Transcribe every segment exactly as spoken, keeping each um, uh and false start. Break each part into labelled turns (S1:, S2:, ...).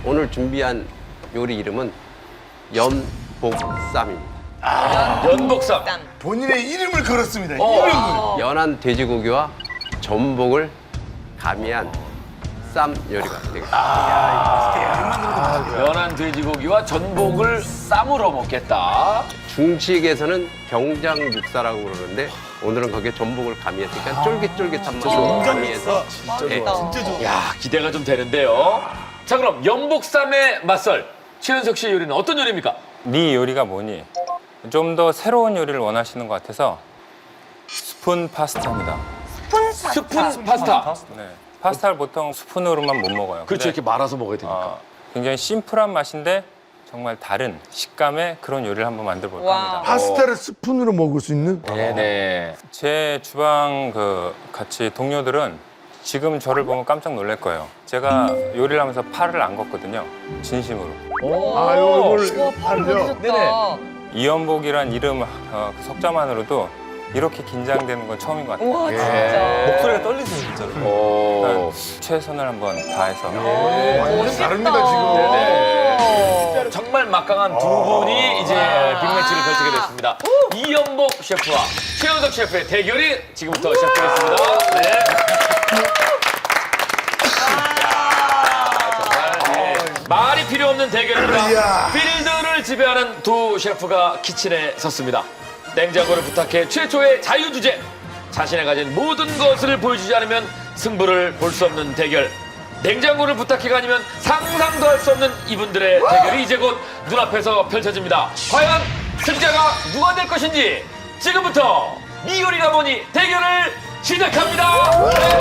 S1: 오늘 준비한 요리 이름은 연복쌈입니다.
S2: 아, 연복쌈.
S3: 본인의 이름을 걸었습니다.
S2: 어.
S3: 이름을.
S1: 연한 돼지고기와 전복을 가미한 쌈 요리가 되겠습니다.
S2: 연한 돼지고기와 전복을 쌈으로 먹겠다.
S1: 중식에서는 경장 육사라고 그러는데 오늘은 거기에 전복을 가미했으니까 쫄깃쫄깃한 맛을 가미해서 예,
S2: 야, 기대가 좀 되는데요. 자, 그럼 연복쌈의 맛설. 최현석 씨의 요리는 어떤 요리입니까?
S4: 네 요리가 뭐니? 좀 더 새로운 요리를 원하시는 것 같아서 스푼 파스타입니다.
S2: 스푼 파스타.
S4: 네. 파스타를 보통 스푼으로만 못 먹어요.
S2: 그렇죠.
S4: 근데,
S2: 이렇게 말아서 먹어야 되니까.
S4: 어, 굉장히 심플한 맛인데 정말 다른 식감의 그런 요리를 한번 만들어 볼까 합니다.
S3: 파스타를 스푼으로 먹을 수 있는?
S2: 네네.
S4: 제 주방 그 같이 동료들은 지금 저를 보면 깜짝 놀랄 거예요. 제가 요리를 하면서 팔을 안 걷거든요. 진심으로.
S3: 아, 요걸 팔죠?
S2: 네네.
S4: 이연복이란 이름 어, 그 석자만으로도 이렇게 긴장되는 건 처음인 것 같아요.
S5: 와 진짜.
S6: 목소리가 떨리세요, 진짜로.
S2: 오.
S4: 일단 최선을 한번 다해서
S3: 완전 다릅니다, 지금.
S2: 네네. 정말 막강한 두 분이 이제 빅매치를 펼치게 됐습니다. 이연복 셰프와 최현석 셰프의 대결이 지금부터 시작되겠습니다. 네. 정말 예, 말이 필요 없는 대결입니다.
S3: 이야.
S2: 필드를 지배하는 두 셰프가 키친에 섰습니다. 냉장고를 부탁해 최초의 자유주제. 자신의 가진 모든 것을 보여주지 않으면 승부를 볼 수 없는 대결. 냉장고를 부탁해가 아니면 상상도 할 수 없는 이분들의 대결이 이제 곧 눈앞에서 펼쳐집니다. 과연 승자가 누가 될 것인지 지금부터 니 요리가 뭐니 대결을 시작합니다.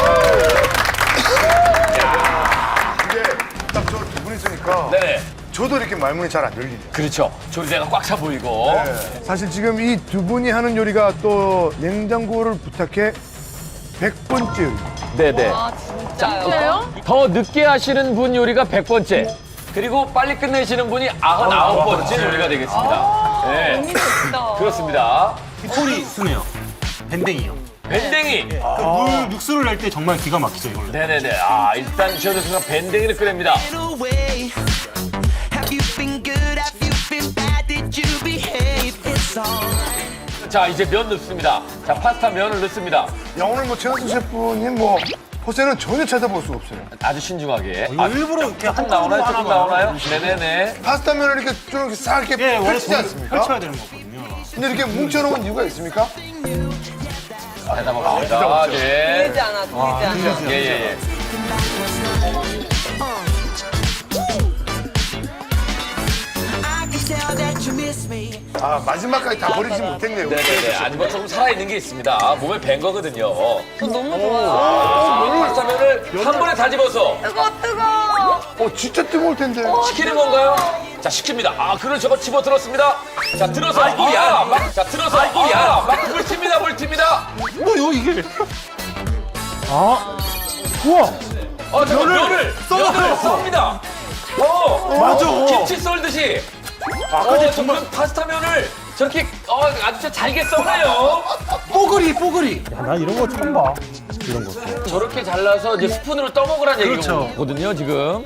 S3: 이게 딱 저 두 분 있으니까
S2: 네네.
S3: 저도 이렇게 말문이 잘 안 열리죠.
S2: 그렇죠. 조리대가 꽉 차 보이고.
S3: 네. 사실 지금 이 두 분이 하는 요리가 또 냉장고를 부탁해 백 번째 요리입니다.
S2: 네네.
S5: 아 진짜요?
S2: 더 늦게 하시는 분 요리가 백 번째. 그리고 빨리 끝내시는 분이 아흔아홉 번째 요리가 되겠습니다. 네.
S5: 너무 좋다.
S2: 그렇습니다.
S6: 콜이 순해요. 밴댕이요.
S2: 밴댕이.
S6: 그 물 육수를 낼 때 정말 기가 막히죠, 이걸로.
S2: 네네네. 아, 일단 최현석 씨가 밴댕이를 끓입니다.
S7: away. Have you been good? Have you been bad? Did you behave? It's all.
S2: 자, 이제 면 넣습니다. 자, 파스타 면을 넣습니다.
S3: 야, 오늘 뭐 최현수 셰프님 뭐 호세는 전혀 찾아볼 수가 없어요.
S2: 아주 신중하게.
S6: 이거 일부러 이렇게
S2: 조금
S6: 한
S2: 나오나요?
S6: 하나
S2: 조금
S6: 봐요.
S2: 나오나요? 네네네.
S3: 파스타면을 이렇게 좀 이렇게 싹 이렇게
S6: 예, 원래
S3: 펼치지
S6: 손을
S3: 않습니까?
S6: 펼쳐야 되는 거거든요.
S3: 근데 이렇게 뭉쳐놓은 이유가 있습니까?
S2: 대답 없습니다. 네.
S5: 들리지 않아, 들리지 않아.
S2: 예, 예, 예.
S7: I can tell that you miss me.
S3: 아, 마지막까지 다 버리지 못했네요.
S2: 네네네. 아니, 뭐 조금 살아있는 게 있습니다. 몸에 밴 거거든요.
S5: 저 너무 좋아요.
S2: 파스타면을 한 번에 다 집어서
S5: 뜨거 뜨거.
S3: 어, 진짜 뜨거울 텐데.
S2: 시키는 건가요? 자, 시킵니다. 아, 그걸 저거 집어 들었습니다. 자, 들어서. 아, 막, 자, 들어서. 아, 막 물팁니다, 물팁니다.
S6: 뭐요, 이게? 아, 우와.
S2: 어, 저
S6: 면을
S2: 면을
S6: 썰어서.
S2: 면을 썹니다. 어,
S6: 맞아.
S2: 김치 썰듯이. 아, 근데 정말 파스타 면을 저렇게 어, 아주 진짜 잘게 썰어요.
S6: 뽀글이, 뽀글이. 야, 나 이런 거 처음 봐. 이런 거.
S2: 저렇게 잘라서 이제 스푼으로 떠먹으라는
S6: 그렇죠.
S2: 얘기거든요, 지금.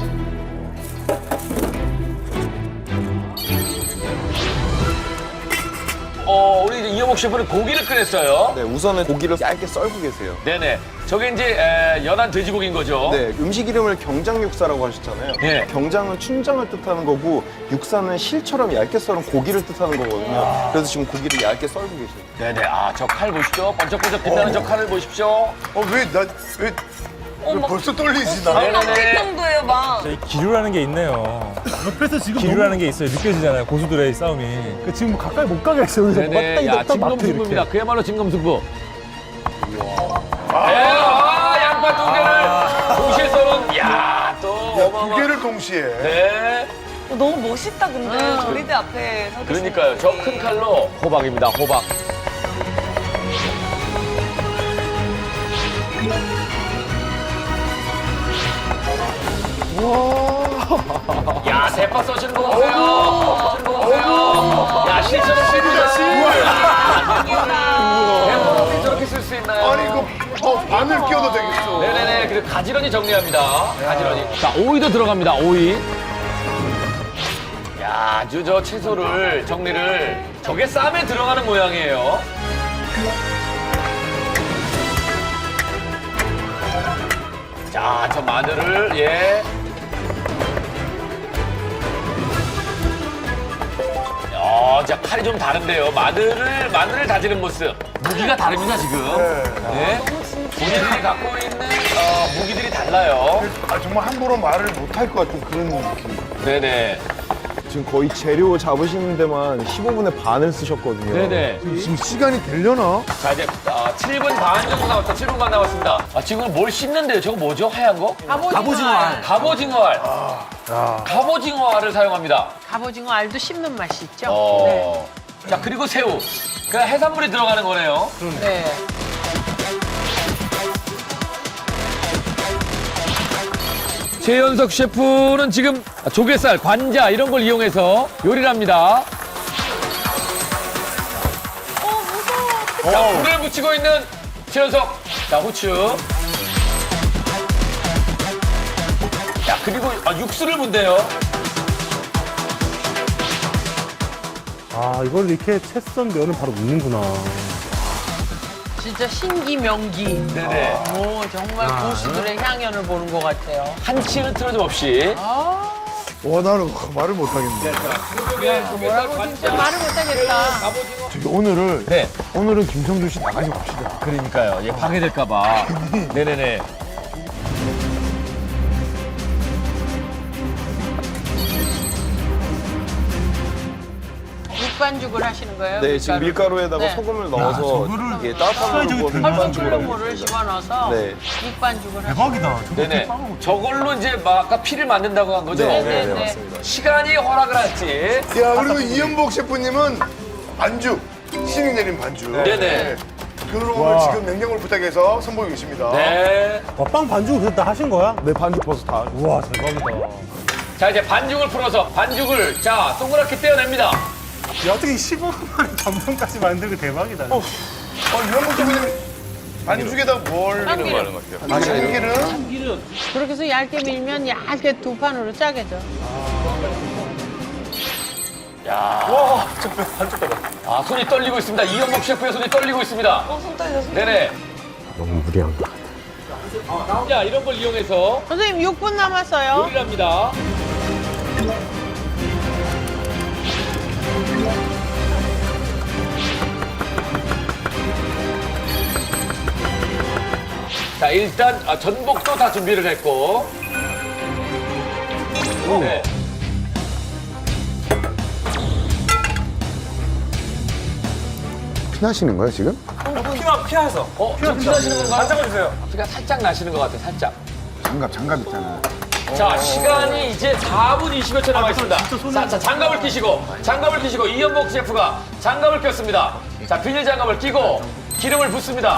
S2: 어, 우리 이제 이영옥 셰프는 고기를 끓였어요.
S8: 네, 우선은 고기를 얇게 썰고 계세요.
S2: 네네. 저게 이제 에, 연한 돼지고기인 거죠.
S8: 네, 음식 이름을 경장육사라고 하셨잖아요.
S2: 네.
S8: 경장은 춘장을 뜻하는 거고 육사는 실처럼 얇게 썰은 고기를 뜻하는 거거든요. 그래서 지금 고기를 얇게 썰고 계세요.
S2: 네네. 아, 저 칼 보십시오. 번쩍번쩍 빛나는 저 칼을 보십시오.
S3: 어, 왜, 나, 왜, 왜
S5: 막-
S3: 벌써 떨리지, 나?
S2: 네네네.
S5: 깜짝 정도예요 막.
S9: 기류라는 게 있네요.
S6: 옆에서 지금
S9: 기류라는 게 있어요. 느껴지잖아요. 고수들의 싸움이.
S6: 그 지금 가까이 못 가게 했어요. 그래서
S2: 네네. 야,
S6: 맞다, 맞다, 맞다,
S2: 진검승부입니다.
S6: 이렇게.
S2: 그야말로 진검승부. 네, 아, 양파 두 개를 동시에 썰은, 야, 또
S3: 두
S2: 어마어마.
S3: 개를 동시에.
S2: 네.
S5: 어, 너무 멋있다 근데 조리대 앞에 서 계시는
S2: 그러니까요. 저 큰 칼로 호박입니다. 호박. 야, 대파 써시는 거 보세요. 써시는 거 보세요. 야, 실처럼 씁니다. 대파 어떻게 저렇게 쓸 수 있나요?
S3: 아니, 그, 어, 마늘 끼워도 되겠어.
S2: 네네네. 그리고 가지런히 정리합니다. 가지런히. 자, 오이도 들어갑니다. 오이. 야, 아주 저 채소를 정리를 저게 쌈에 들어가는 모양이에요. 자, 저 마늘을 예. 어, 자 칼이 좀 다른데요. 마늘을 마늘을 다지는 모습. 무기가 다릅니다 지금. 네. 본인들이 갖고 있는 어, 무기들이 달라요.
S3: 아, 정말 함부로 말을 못 할 것 같은 그런 느낌.
S2: 네네.
S8: 지금 거의 재료 잡으시는 데만 십오 분의 반을 쓰셨거든요.
S2: 네네.
S3: 지금 시간이 되려나?
S2: 자 이제 어, 칠 분 반 정도 남았다. 칠 분 반 남았습니다. 아, 지금 뭘 씹는데요? 저거 뭐죠? 하얀 거?
S10: 갑오징어알.
S2: 갑오징어알. 갑오징어알을 사용합니다.
S10: 갑오징어 알도 씹는 맛이 있죠?
S2: 어. 자 그리고 새우. 그 해산물이 들어가는 거네요.
S10: 네.
S2: 최연석 셰프는 지금 조개살, 관자 이런 걸 이용해서 요리를 합니다. 자, 불을 붙이고 있는 최연석. 자, 후추. 자, 그리고 아, 육수를 붓네요.
S6: 아, 이걸 이렇게 채 썬 면을 바로 묻는구나.
S10: 진짜 신기명기.
S2: 네네.
S10: 오, 정말 고수들의 향연을 보는 것 같아요.
S2: 한치 흐트러짐 없이.
S3: 와, 나는 말을 못 하겠네.
S10: 뭐라고 진짜 말을 못하겠다.
S3: 저기 오늘을,
S2: 네.
S3: 오늘은 김성준 씨 나가지 맙시다.
S2: 그러니까요. 얘 방해될까봐. 네네네.
S10: 육반죽을 하시는 거예요?
S8: 네, 지금 밀가루에다가
S10: 네.
S8: 소금을 넣어서 이게 따뜻한 물로 구워서 육반죽으로
S10: 물을
S8: 합니다.
S10: 집어넣어서
S8: 네.
S10: 육반죽을 하시는
S6: 대박이다.
S2: 네네. 저걸로 이제 막 아까 피를 만든다고 한 거죠?
S8: 네,
S10: 네,
S8: 네,
S10: 네.
S8: 맞습니다.
S2: 시간이 허락을 할지.
S3: 야, 그리고 이연복 셰프님은 반죽, 신이 내린 반죽.
S2: 네네.
S3: 그걸 오늘 지금 냉장고를 부탁해서 선보이고 계십니다.
S2: 네.
S6: 와, 빵 반죽 그다 하신 거야?
S8: 네, 반죽 버섯 다.
S6: 우와, 대박이다.
S2: 자, 이제 반죽을 풀어서 반죽을 자, 동그랗게 떼어냅니다.
S6: 야, 어떻게 십오 분 만에 전분까지 만들고 대박이다.
S3: 어, 이연복 셰프님 반죽에다 뭘
S10: 참기름.
S3: 아, 참기름?
S10: 그렇게 해서 얇게 밀면 얇게 두 판으로 짜게 돼.
S2: 아, 손이 떨리고 있습니다. 이연복 셰프의 손이 떨리고 있습니다.
S5: 어, 손 떨려, 손 떨려.
S2: 네네.
S6: 너무 무리한 것 같아.
S2: 자, 이런 걸 이용해서
S10: 선생님 육 분 남았어요.
S2: 요리를 합니다. 자, 일단 아, 전복도 다 준비를 했고. 네.
S3: 피나시는 거예요, 지금?
S2: 어, 좀 피나시는 건가요? 살짝 해주세요. 피가 살짝 나시는 것 같아요, 살짝.
S3: 장갑, 장갑 있잖아.
S2: 자, 시간이 이제 사 분 이십여 초 남아있습니다. 자, 자, 장갑을 끼시고, 장갑을 끼시고, 이연복 셰프가 장갑을 꼈습니다. 자, 비닐 장갑을 끼고, 기름을 붓습니다.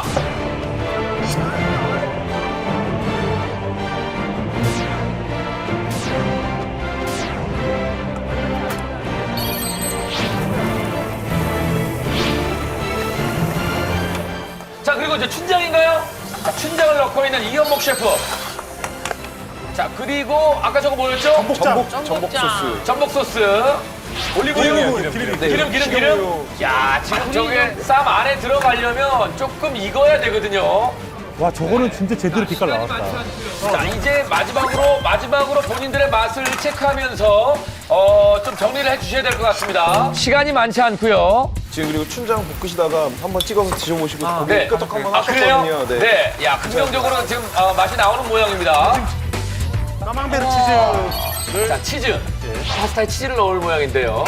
S2: 자, 그리고 이제 춘장인가요? 자, 춘장을 넣고 있는 이연복 셰프. 자, 그리고 아까 저거 뭐였죠?
S6: 전복,
S8: 전복 소스.
S2: 전복 소스, 올리브유, 기름, 기름, 기름, 기름. 야, 지금 저게 쌈 안에 들어가려면 조금 익어야 되거든요.
S6: 와, 저거는 진짜 제대로 빛깔 나왔다.
S2: 자, 이제 마지막으로, 마지막으로 본인들의 맛을 체크하면서, 어, 좀 정리를 해 주셔야 될 것 같습니다. 시간이 많지 않고요.
S8: 지금 그리고 춘장 볶으시다가 한번 찍어서 드셔보시고 고기
S2: 네.
S8: 끄덕 한번
S2: 아, 그래요?
S8: 하셨거든요.
S2: 네. 야, 긍정적으로 지금 어, 맛이 나오는 모양입니다.
S6: 까망베르 치즈.
S2: 자, 치즈. 파스타에 치즈를 넣을 모양인데요.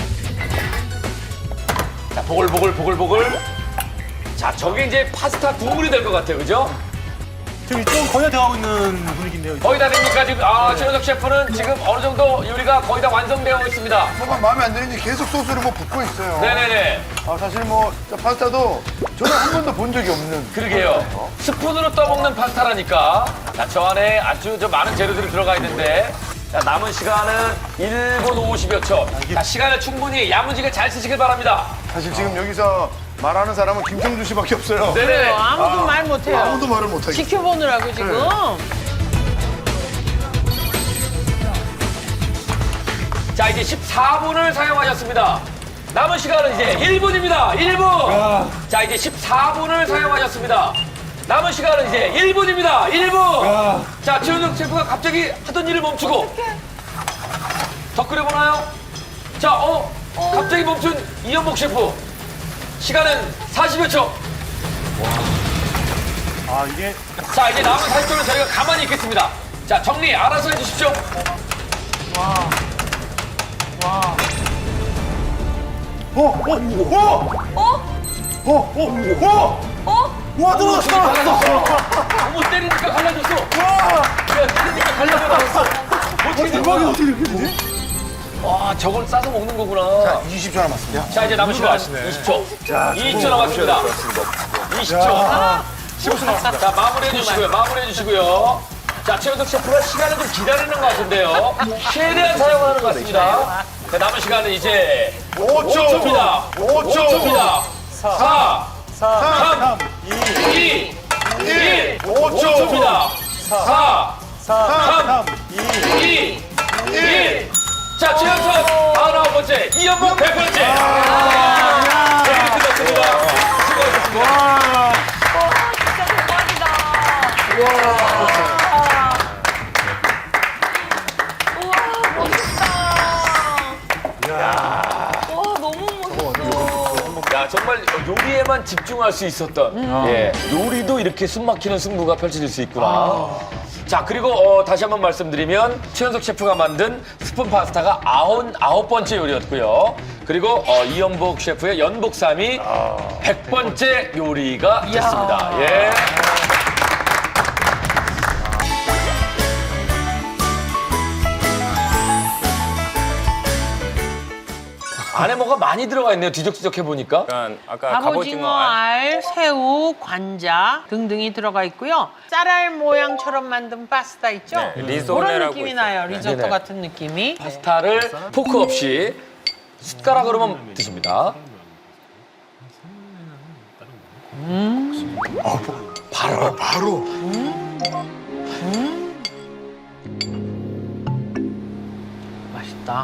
S2: 자, 보글보글, 보글보글. 자, 저게 이제 파스타 국물이 될 것 같아요, 그죠?
S6: 지금 이쪽은 거의 다 되어가고 있는 분위기인데요.
S2: 거의 다 됩니까? 지금, 아, 최현석 셰프는 지금 어느 정도 요리가 거의 다 완성되어 있습니다.
S3: 뭐가 마음에 안 드는지 계속 소스를 뭐 붓고 있어요.
S2: 네네네.
S3: 아, 사실 뭐 저 파스타도 저는 한 번도 본 적이 없는.
S2: 그러게요. 스푼으로 떠먹는 파스타라니까. 자, 저 안에 아주 저 많은 재료들이 들어가 있는데. 자, 남은 시간은 일 분 오십여 초. 자, 시간을 충분히 야무지게 잘 쓰시길 바랍니다.
S3: 사실 지금 여기서 말하는 사람은 김성주 씨밖에 없어요.
S2: 네네.
S10: 아무도 말 못해요.
S3: 아무도 말을 못하겠어.
S10: 지켜보느라고 지금.
S2: 자, 이제 십사 분을 사용하셨습니다. 남은 시간은 이제 일 분입니다. 일 분. 자, 이제 십사 분을 사용하셨습니다. 남은 시간은 이제 일 분입니다. 일 분. 자, 최현석 셰프가 갑자기 하던 일을 멈추고. 더 끓여보나요? 자, 어, 갑자기 멈춘 이연복 셰프. 시간은 사십여 초.
S6: 아, 이게.
S2: 자, 이제 남은 사십 초는 저희가 가만히 있겠습니다. 자, 정리 알아서 해주십시오.
S10: 와. 와.
S3: 어, 어, 어,
S5: 어?
S3: 어, 어, 어.
S5: 어?
S3: 와, 들어갔어, 들어갔어.
S2: 어머, 때리니까 갈라졌어.
S3: 와,
S2: 야, 때리니까 갈라졌어. 어떻게 된
S3: 대박이
S2: 거야?
S3: 어떻게 이렇게 되지?
S2: 와, 저걸 싸서 먹는 거구나.
S3: 자, 이십 초 남았습니다.
S2: 자, 이제 남은 시간 이십 초. 이십 초 남았습니다. 이십 초. 십오 초 남았습니다. 자, 마무리해 주시고요. 마무리해 주시고요. 자, 최현석 셰프가 시간을 좀 기다리는 것 같은데요. 최대한 사용하는 것 같습니다. 자, 남은 시간은 이제
S3: 오 초.
S2: 오 초입니다.
S3: 오 초.
S2: 오 초입니다. 사, 삼, 이, 일.
S3: 오 초.
S2: 오 초입니다. 사, 삼, 이, 일. 자, 최현석 아흔아홉 번째, 이연복 백 번째. 네, 끝났습니다. 수고하셨습니다.
S5: 와, 진짜 대박이다. 우와, 멋있다. 와, 너무 멋있어.
S2: 야, 정말 요리에만 집중할 수 있었던 예, 요리도 이렇게 숨막히는 승부가 펼쳐질 수 있구나. 자, 그리고 어, 다시 한번 말씀드리면 최현석 셰프가 만든 스푼 파스타가 아흔 아홉 번째 요리였고요. 그리고 어, 이연복 셰프의 연복삼이 백 번째 요리가 됐습니다. 예. 안에 뭐가 많이 들어가 있네요. 뒤적뒤적 해보니까.
S4: 그러니까 아까
S10: 갑오징어
S4: 갑오징어 알.
S10: 알, 새우, 관자 등등이 들어가 있고요. 쌀알 모양처럼 만든 파스타 있죠?
S4: 네,
S10: 그런
S4: 리조네라고
S10: 느낌이
S4: 있어요.
S10: 나요.
S4: 네.
S10: 리조또
S2: 네네.
S10: 같은 느낌이.
S2: 파스타를 포크 없이 숟가락으로만 드십니다.
S3: 바로, 바로.
S10: 맛있다.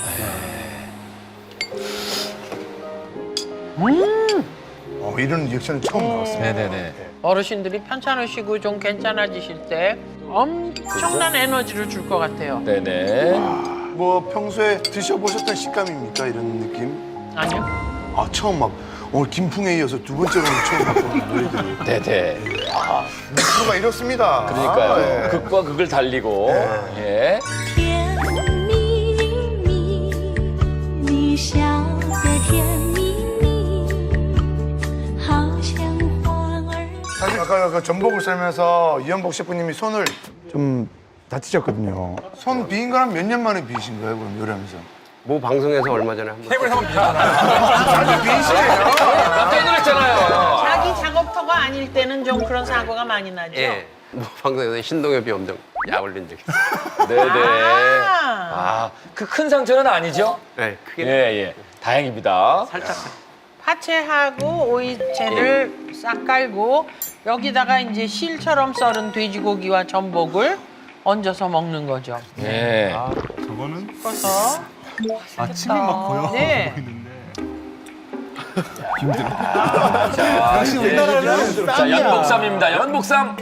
S3: 어, 이런 리액션은 처음 나왔습니다.
S2: 네네네.
S10: 어르신들이 편찮으시고 좀 괜찮아지실 때 엄청난 에너지를 줄 것 같아요.
S2: 네네.
S3: 뭐 평소에 드셔보셨던 식감입니까? 이런 느낌?
S10: 아니요?
S3: 아, 처음 막 오늘 김풍에 이어서 두 번째로 처음 맛보는 노래들이.
S2: 네네.
S3: 수가 이렇습니다.
S2: 그러니까요.
S3: 아, 예.
S2: 극과 극을 달리고. 예.
S11: 甜蜜蜜，你笑得甜蜜蜜，好像花儿。
S3: 사실 아까 그 전복을 썰면서 이연복 셰프님이 손을 좀 다치셨거든요. 손 비인 건 한 몇 년 만에 비신 거예요, 그럼 요리하면서?
S1: 모 방송에서 얼마 전에 한번
S3: 테이블 한번 비셨잖아요. 비시네요.
S2: 깜짝 놀랐잖아요.
S10: 자기 작업터가 아닐 때는 좀 그런 사고가 많이 나죠?
S1: 예, 모 방송에서 신동엽이 엄청 약 올린 적이 있어요.
S2: 네네.
S10: 아,
S2: 아, 그 큰 상처는 아니죠?
S1: 네, 크게
S2: 예, 예. 다행입니다.
S1: 살짝.
S10: 파채하고 오이채를 싹 깔고 여기다가 이제 실처럼 썰은 돼지고기와 전복을 얹어서 먹는 거죠.
S2: 예.
S6: 저거는
S10: 섞어서.
S6: 아침이 막 보여
S10: 네.
S6: 보이는데.
S2: 자,
S6: 역시 우리나라는
S2: 자, 연복삼입니다. 연복삼.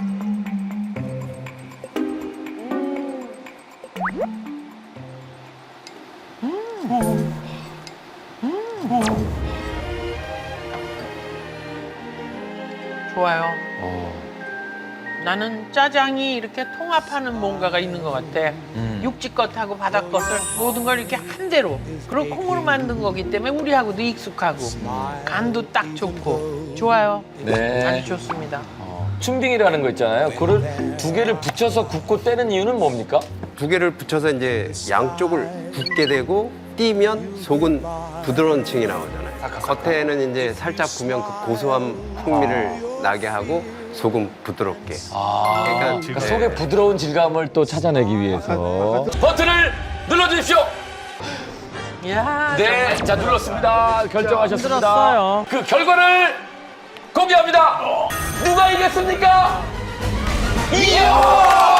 S10: 좋아요.
S2: 어.
S10: 나는 짜장이 이렇게 통합하는 뭔가가 있는 것 같아. 육지 것하고 바다 것을 모든 걸 이렇게 한 대로. 그리고 콩으로 만든 거기 때문에 우리하고도 익숙하고 간도 딱 좋고 좋아요.
S2: 네.
S10: 아주 좋습니다.
S2: 춘빙이라는 거 있잖아요. 그걸 두 개를 붙여서 굽고 떼는 이유는 뭡니까?
S1: 두 개를 붙여서 이제 양쪽을 굽게 되고 띄면 속은 부드러운 층이 나오잖아요. 겉에는 이제 살짝 구면 그 고소한 풍미를 나게 하고 속은 부드럽게.
S2: 아,
S1: 그러니까
S2: 그러니까 속에 부드러운 질감을 또 찾아내기 위해서 버튼을 눌러주십시오.
S10: 야,
S2: 네, 자 눌렀습니다. 결정하셨습니다.
S10: 힘들었어요.
S2: 그 결과를 공개합니다. 누가 이겼습니까? 이야!